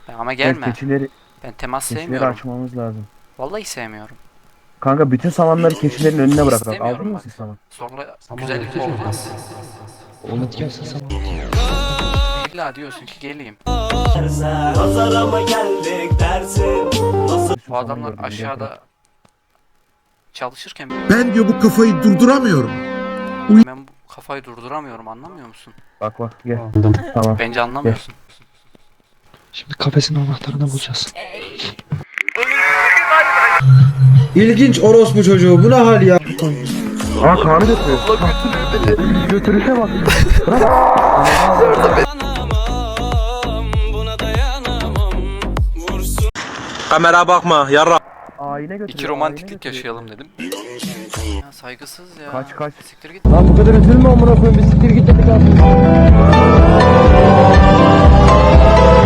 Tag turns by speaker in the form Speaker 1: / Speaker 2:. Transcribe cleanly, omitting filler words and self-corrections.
Speaker 1: Ama gelme.
Speaker 2: Keçileri,
Speaker 1: Ben temas
Speaker 2: keçileri
Speaker 1: sevmiyorum.
Speaker 2: açmamız lazım.
Speaker 1: Vallahi sevmiyorum.
Speaker 2: Kanka bütün samanları keçilerin önüne bırak.
Speaker 1: İstemiyorum
Speaker 2: Aldın mı
Speaker 1: bak.
Speaker 2: siz saman?
Speaker 1: Sonra güzellikler olmaz.
Speaker 3: Hadi gel sen sana.
Speaker 1: İlla diyorsun ki geleyim.
Speaker 4: Pazara mı geldik dersin? Nasıl?
Speaker 1: Bu adamlar aşağıda çalışırken
Speaker 5: Ben diyor bu kafayı durduramıyorum.
Speaker 1: ben bu kafayı durduramıyorum, anlamıyor musun?
Speaker 2: Bak bak gel.
Speaker 3: Aldım.
Speaker 2: Tamam.
Speaker 1: Bence anlamıyorsun.
Speaker 3: Şimdi kafesin anahtarını bulacağız.
Speaker 6: İlginç orospu çocuğu, bu ne hal ya?
Speaker 2: Aa Kaan'ı götürüyor. Götürüşe bak.
Speaker 4: Kamera bakma yarra.
Speaker 2: Ayine götürüyor.
Speaker 1: İki romantiklik yaşayalım dedim. Ya saygısız ya.
Speaker 2: Kaç.
Speaker 1: Siktir git.
Speaker 6: Lan bu kadar üzülme amına koyayım, bir siktir git hadi.